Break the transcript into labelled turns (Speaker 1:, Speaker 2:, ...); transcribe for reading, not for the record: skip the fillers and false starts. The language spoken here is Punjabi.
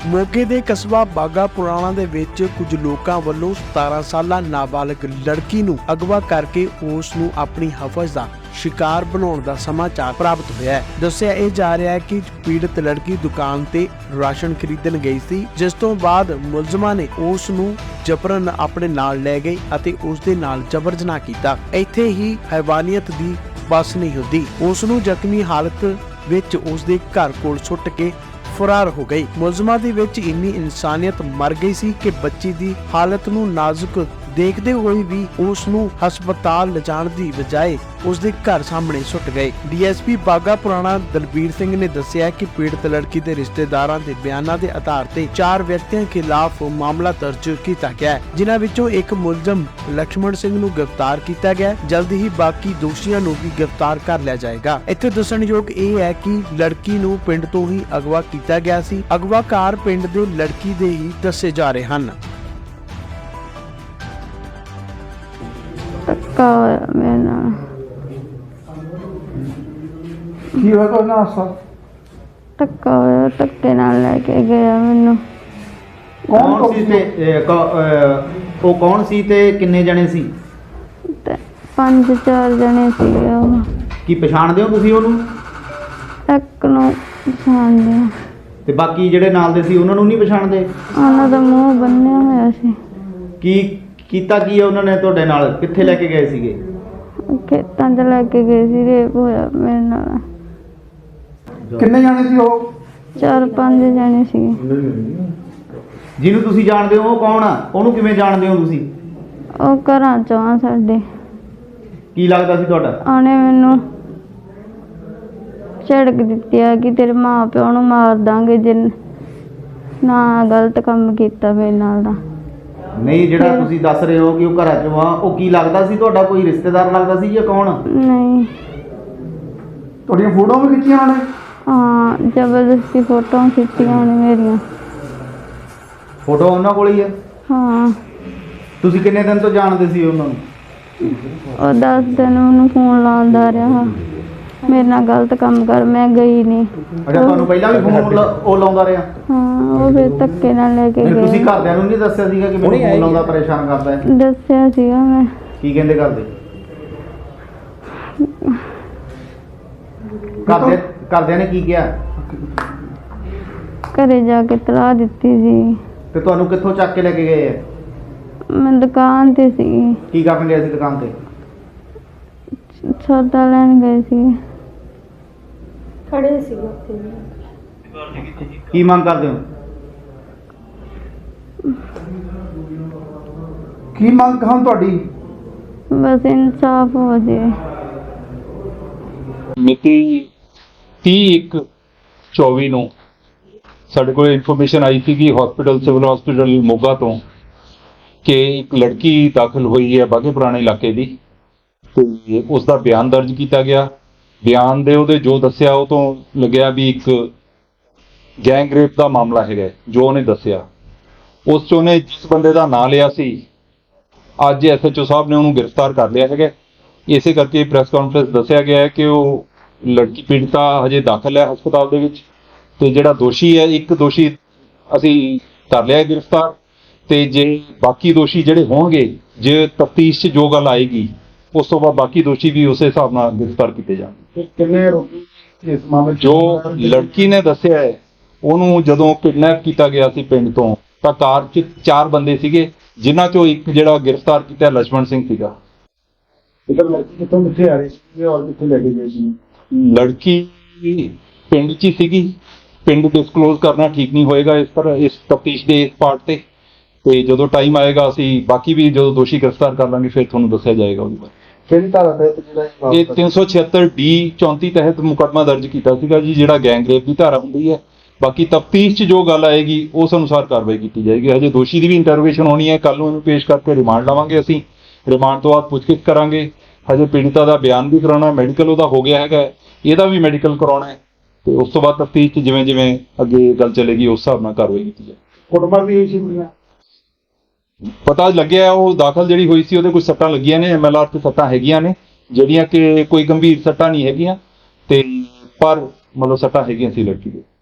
Speaker 1: ਮੋਗੇ ਦੇ ਕਸਬਾ ਬਾਗਾ ਪੁਰਾਣਾ ਦੇ ਵਿੱਚ ਕੁਝ ਲੋਕਾਂ ਵੱਲੋਂ 17 ਸਾਲਾ ਨਾਬਾਲਗ ਲੜਕੀ ਨੂੰ ਅਗਵਾ ਕਰਕੇ ਉਸ ਨੂੰ ਆਪਣੀ ਹਵਸ ਦਾ शिकार बनाने का समाचार प्राप्त होया है। दस्सिया यह जा रहा है कि पीड़ित लड़की दुकान ते राशन खरीदन गई सी, जिस तो बाद मुलजमां ने उस नूं जबरन अपने नाल ले गए अते उस दे नाल जबर जनाह कीता। इत्थे ही हैवानियत दी बस नहीं हुंदी, उस नूं जख्मी हालत विच उस दे घर कोल सुੱਟ के फरार हो गई। मुलजमां दे विच इन्नी इंसानियत मर गई सी कि बच्ची दी हालत नूं नाजुक देखते हुए भी उस नूं हस्पताल लिजाण दी बजाय उस दे घर सामने सुੱਟ गए। डीएसपी बागा पुराना दलबीर सिंह ने दस्सिया कि पीड़ित लड़की के रिश्तेदारां दे बयानां दे आधार ते 4 व्यक्तियों खिलाफ मामला दर्ज किया गया है, जिन्हां विचों एक मुलजम लक्ष्मण सिंह नूं गिरफ्तार किया गया। जल्द ही बाकी दोषियों नूं भी गिरफ्तार कर लिया जाएगा। इत्थे दस्सणयोग यह है कि लड़की नूं पिंड तो ही अगवा किया गया सी। अगवाकार पिंड दे लड़की दे ही दस्से जा रहे हैं।
Speaker 2: ਧੱਕਾ ਹੋਇਆ ਮੇਰੇ ਨਾਲ।
Speaker 3: ਕੀ ਹੋਇਆ ਕੋਈ ਨਾ ਹਾਸਾ?
Speaker 2: ਧੱਕਾ ਹੋਇਆ, ਧੱਕੇ ਨਾਲ ਲੈ ਕੇ ਗਿਆ ਮੈਨੂੰ।
Speaker 4: ਕੌਣ ਸੀ ਤੇ ਉਹ ਕੌਣ ਸੀ ਤੇ ਕਿੰਨੇ ਜਣੇ ਸੀ?
Speaker 2: ਤੇ 5-4 ਜਣੇ ਸੀਗੇ ਉਹ।
Speaker 4: ਕੀ ਪਛਾਣਦੇ ਹੋ ਤੁਸੀਂ ਉਹਨੂੰ?
Speaker 2: ਇੱਕ ਨੂੰ ਪਛਾਣਦੇ ਆ।
Speaker 4: ਤੇ ਬਾਕੀ ਜਿਹੜੇ ਨਾਲ ਦੇ ਸੀ ਉਹਨਾਂ ਨੂੰ ਨਹੀਂ ਪਛਾਣਦੇ?
Speaker 2: ਉਹਨਾਂ ਦਾ ਮੂੰਹ ਬੰਨਿਆ ਹੋਇਆ ਸੀ।
Speaker 4: ਕੀ ਕੀਤਾ ਕੀ ਹੈ ਉਹਨਾਂ ਨੇ ਤੁਹਾਡੇ ਨਾਲ? ਕਿੱਥੇ ਲੈ ਕੇ ਗਏ ਸੀਗੇ?
Speaker 2: ਖੇਤਾਂ 'ਚ ਲੈ ਕੇ ਗਏ ਸੀ। ਰੇਪ ਹੋਇਆ ਮੇਰੇ ਨਾਲ।
Speaker 3: ਕਿੰਨੇ ਜਾਣੇ ਸੀ ਉਹ?
Speaker 2: 4-5 ਜਣੇ ਸੀਗੇ।
Speaker 4: ਜਿਹਨੂੰ ਤੁਸੀਂ ਜਾਣਦੇ ਹੋ ਉਹ ਕੌਣ ਆ? ਉਹਨੂੰ ਕਿਵੇਂ ਜਾਣਦੇ ਹੋ ਤੁਸੀਂ?
Speaker 2: ਉਹ ਘਰਾਂ 'ਚੋਂ ਆ ਸਾਡੇ।
Speaker 4: ਕੀ ਲੱਗਦਾ ਸੀ ਤੁਹਾਡਾ?
Speaker 2: ਉਹਨੇ ਮੈਨੂੰ ਝੜਕ ਦਿੱਤੀ ਆ ਕਿ ਤੇਰੇ ਮਾਂ ਪਿਓ ਨੂੰ ਮਾਰ ਦਾਂਗੇ ਜੇ ਨਾ ਗਲਤ ਕੰਮ ਕੀਤਾ ਮੇਰੇ ਨਾਲ ਦਾ।
Speaker 4: ਨਹੀਂ, ਜਿਹੜਾ ਤੁਸੀਂ ਦੱਸ ਰਹੇ ਹੋ ਕਿ ਉਹ ਘਰਾਂ ਚੋਂ ਆ, ਉਹ ਕੀ ਲੱਗਦਾ ਸੀ ਤੁਹਾਡਾ? ਕੋਈ ਰਿਸ਼ਤੇਦਾਰ ਲੱਗਦਾ ਸੀ ਜਾਂ ਕੌਣ?
Speaker 2: ਨਹੀਂ।
Speaker 3: ਤੁਹਾਡੀਆਂ ਫੋਟੋਆਂ ਵੀ ਖਿੱਚੀਆਂ ਉਹਨੇ?
Speaker 2: ਹਾਂ, ਜ਼ਬਰਦਸਤੀ ਫੋਟੋਆਂ ਖਿੱਚੀਆਂ ਉਹਨੇ ਮੇਰੀਆਂ।
Speaker 4: ਫੋਟੋ ਉਹਨਾਂ ਕੋਲ ਹੀ ਹੈ?
Speaker 2: ਹਾਂ।
Speaker 4: ਤੁਸੀਂ ਕਿੰਨੇ ਦਿਨ ਤੋਂ ਜਾਣਦੇ ਸੀ ਉਹਨਾਂ ਨੂੰ?
Speaker 2: ਉਹ 10 ਦਿਨ ਉਹਨੂੰ ਫੋਨ ਲਾਉਂਦਾ ਰਿਹਾ ਮੇਰੇ ਨਾਲ ਗਲਤ ਕੰਮ ਕਰ। ਮੈਂ ਗਈ ਨਹੀਂ।
Speaker 4: ਅੱਛਾ, ਤੁਹਾਨੂੰ ਪਹਿਲਾਂ ਵੀ ਫੋਨ ਉਹ ਲਾਉਂਦਾ ਰਿਹਾ?
Speaker 2: ਹਾਂ, ਉਹ ਫਿਰ ਧੱਕੇ ਨਾਲ ਲੈ ਕੇ
Speaker 4: ਨਹੀਂ, ਤੁਸੀਂ
Speaker 2: ਗਏ।
Speaker 4: ਘਰਦਿਆਂ ਨੂੰ ਨਹੀਂ ਦੱਸਿਆ ਸੀਗਾ ਕਿ ਮੈਨੂੰ ਫੋਨ ਲਾਉਂਦਾ, ਪਰੇਸ਼ਾਨ ਕਰਦਾ ਹੈ?
Speaker 2: ਦੱਸਿਆ ਸੀਗਾ ਮੈਂ।
Speaker 4: ਕੀ ਕਹਿੰਦੇ ਘਰਦੇ? ਘਰਦਿਆਂ ਨੇ ਕੀ ਕਿਹਾ?
Speaker 2: ਘਰੇ ਜਾ ਕੇ ਤਲਾਹ ਦਿੱਤੀ ਸੀ।
Speaker 4: ਤੇ ਤੁਹਾਨੂੰ ਕਿੱਥੋਂ ਚੱਕ ਕੇ ਲੈ ਕੇ ਗਏ ਆ?
Speaker 2: ਮੈਂ ਦੁਕਾਨ ਤੇ ਸੀ।
Speaker 4: ਕੀ ਕਰਨ ਗਏ ਸੀ ਦੁਕਾਨ ਤੇ?
Speaker 2: ਸੌਦਾ ਲੈਣ ਗਏ ਸੀ।
Speaker 5: ਖੜੇ ਸੀ ਉੱਥੇ।
Speaker 4: ਕੀ ਮੰਗ ਕਰਦੇ ਹੋ?
Speaker 3: ਕੀ ਮੰਗ ਹਨ ਤੁਹਾਡੀ?
Speaker 2: ਬਸ ਇਨਸਾਫ ਹੋ ਜੇ।
Speaker 6: ਮਿਤੀ 30/1/24 ਨੂੰ ਸਾਡੇ ਕੋਲ ਇਨਫੋਰਮੇਸ਼ਨ ਆਈ ਸੀ ਕਿ ਸਿਵਲ ਹਸਪੀਟਲ ਮੋਗਾ ਤੋਂ ਕਿ ਇੱਕ ਲੜਕੀ ਦਾਖਲ ਹੋਈ ਹੈ ਬਾਗੇ ਪੁਰਾਣੇ ਇਲਾਕੇ ਦੀ, ਤੇ ਉਸ ਦਾ ਬਿਆਨ ਦਰਜ ਕੀਤਾ ਗਿਆ। ਬਿਆਨ ਦੇ ਉਹਦੇ ਜੋ ਦੱਸਿਆ ਉਹ ਤੋਂ ਲੱਗਿਆ ਵੀ ਇੱਕ ਗੈਂਗ ਰੇਪ ਦਾ ਮਾਮਲਾ ਹੈਗਾ ਜੋ ਉਹਨੇ ਦੱਸਿਆ। ਉਸ 'ਚ ਉਹਨੇ ਜਿਸ ਬੰਦੇ ਦਾ ਨਾਂ ਲਿਆ ਸੀ, ਅੱਜ SHO ਸਾਹਿਬ ਨੇ ਉਹਨੂੰ ਗ੍ਰਿਫਤਾਰ ਕਰ ਲਿਆ ਹੈਗਾ। ਇਸੇ ਕਰਕੇ ਪ੍ਰੈਸ ਕਾਨਫਰੰਸ ਦੱਸਿਆ ਗਿਆ ਹੈ ਕਿ ਉਹ ਲੜਕੀ ਪੀੜਤਾ ਹਜੇ ਦਾਖਲ ਹੈ ਹਸਪਤਾਲ ਦੇ ਵਿੱਚ, ਤੇ ਜਿਹੜਾ ਦੋਸ਼ੀ ਹੈ, ਇੱਕ ਦੋਸ਼ੀ ਅਸੀਂ ਕਰ ਲਿਆ ਗ੍ਰਿਫਤਾਰ, ਤੇ ਜੇ ਬਾਕੀ ਦੋਸ਼ੀ ਜਿਹੜੇ ਹੋਣਗੇ, ਜੇ ਤਫਤੀਸ਼ 'ਚ ਜੋ ਗੱਲ ਆਏਗੀ ਉਸ ਤੋਂ ਬਾਅਦ ਬਾਕੀ ਦੋਸ਼ੀ ਵੀ ਉਸੇ ਹਿਸਾਬ ਨਾਲ ਗ੍ਰਿਫਤਾਰ ਕੀਤੇ ਜਾਣਗੇ।
Speaker 3: ਕਿੰਨੇ ਇਸ ਮਾਮਲੇ
Speaker 6: ਜੋ ਲੜਕੀ ਨੇ ਦੱਸਿਆ ਹੈ, ਉਹਨੂੰ ਜਦੋਂ ਕਿਡਨੈਪ ਕੀਤਾ ਗਿਆ ਸੀ ਪਿੰਡ ਤੋਂ, ਤਾਂ ਕਾਰ 'ਚ 4 ਬੰਦੇ ਸੀਗੇ, ਜਿਨ੍ਹਾਂ 'ਚੋਂ ਇੱਕ ਜਿਹੜਾ ਗ੍ਰਿਫਤਾਰ ਕੀਤਾ ਲక్ష్మణ ਸਿੰਘ ਸੀਗਾ।
Speaker 3: ਕਿੱਥੋਂ ਕਿੱਥੇ ਆ ਰਹੀ ਸੀ ਔਰ ਕਿੱਥੇ ਲੈ ਕੇ ਗਏ ਸੀ?
Speaker 6: ਲੜਕੀ ਪਿੰਡ 'ਚ ਹੀ ਸੀਗੀ। ਪਿੰਡ ਡਿਸਕਲੋਜ਼ ਕਰਨਾ ਠੀਕ ਨਹੀਂ ਹੋਏਗਾ ਇਸ ਤਫਤੀਸ਼ ਦੇ ਇਸ ਪਾਰਟ ਤੇ ਜਦੋਂ ਟਾਈਮ ਆਏਗਾ ਅਸੀਂ ਬਾਕੀ ਵੀ ਜਦੋਂ ਦੋਸ਼ੀ ਗ੍ਰਿਫਤਾਰ ਕਰ ਲਾਂਗੇ ਫਿਰ ਤੁਹਾਨੂੰ ਦੱਸਿਆ ਜਾਏਗਾ ਉਹਦੇ ਬਾਰੇ।
Speaker 3: ਕਿਹੜੀ ਧਾਰਾ ਤਹਿਤ ਜਿਹੜਾ
Speaker 6: ਇਹ 376D 34 ਤਹਿਤ ਮੁਕੱਦਮਾ ਦਰਜ ਕੀਤਾ ਸੀਗਾ ਜੀ, ਜਿਹੜਾ ਗੈਂਗ ਰੇਪ ਦੀ ਧਾਰਾ ਹੁੰਦੀ ਹੈ। ਬਾਕੀ ਤਫਤੀਸ਼ 'ਚ ਜੋ ਗੱਲ ਆਏਗੀ ਉਸ ਅਨੁਸਾਰ ਕਾਰਵਾਈ ਕੀਤੀ ਜਾਏਗੀ। ਹਜੇ ਦੋਸ਼ੀ ਦੀ ਵੀ ਇੰਟਰੋਗੇਸ਼ਨ ਹੋਣੀ ਹੈ, ਕੱਲ ਨੂੰ ਇਹਨੂੰ ਪੇਸ਼ ਕਰਕੇ ਰਿਮਾਂਡ ਲਵਾਂਗੇ ਅਸੀਂ। ਰਿਮਾਂਡ ਤੋਂ ਬਾਅਦ ਪੁੱਛਗਿੱਛ ਕਰਾਂਗੇ। ਹਜੇ ਪੀੜਿਤਾ ਦਾ ਬਿਆਨ ਵੀ ਕਰਾਉਣਾ, ਮੈਡੀਕਲ ਉਹਦਾ ਹੋ ਗਿਆ ਹੈਗਾ, ਇਹਦਾ ਵੀ ਮੈਡੀਕਲ ਕਰਾਉਣਾ ਹੈ, ਤੇ ਉਸ ਤੋਂ ਬਾਅਦ ਤਫਤੀਸ਼ 'ਚ ਜਿਵੇਂ ਜਿਵੇਂ ਅੱਗੇ ਗੱਲ ਚੱਲੇਗੀ ਉਸ ਹਿਸਾਬ ਨਾਲ ਕਾਰਵਾਈ ਕੀਤੀ ਜਾਏ।
Speaker 3: ਕੁੱਟਮਾਰ ਵੀ ਹੋਈ ਸੀ ਕੁੜੀਆਂ?
Speaker 6: ਪਤਾ ਲੱਗਿਆ ਉਹ ਦਾਖਲ ਜਿਹੜੀ ਹੋਈ ਸੀ ਉਹਦੇ ਕੁਝ ਸੱਟਾਂ ਲੱਗੀਆਂ ਨੇ, MLR ਤੇ ਸੱਟਾਂ ਹੈਗੀਆਂ ਨੇ, ਜਿਹੜੀਆਂ ਕਿ ਕੋਈ ਗੰਭੀਰ ਸੱਟਾਂ ਨਹੀਂ ਹੈਗੀਆਂ, ਤੇ ਪਰ ਮਤਲਬ ਸੱਟਾਂ ਹੈਗੀਆਂ ਸੀ ਲੜਕੀ ਦੇ।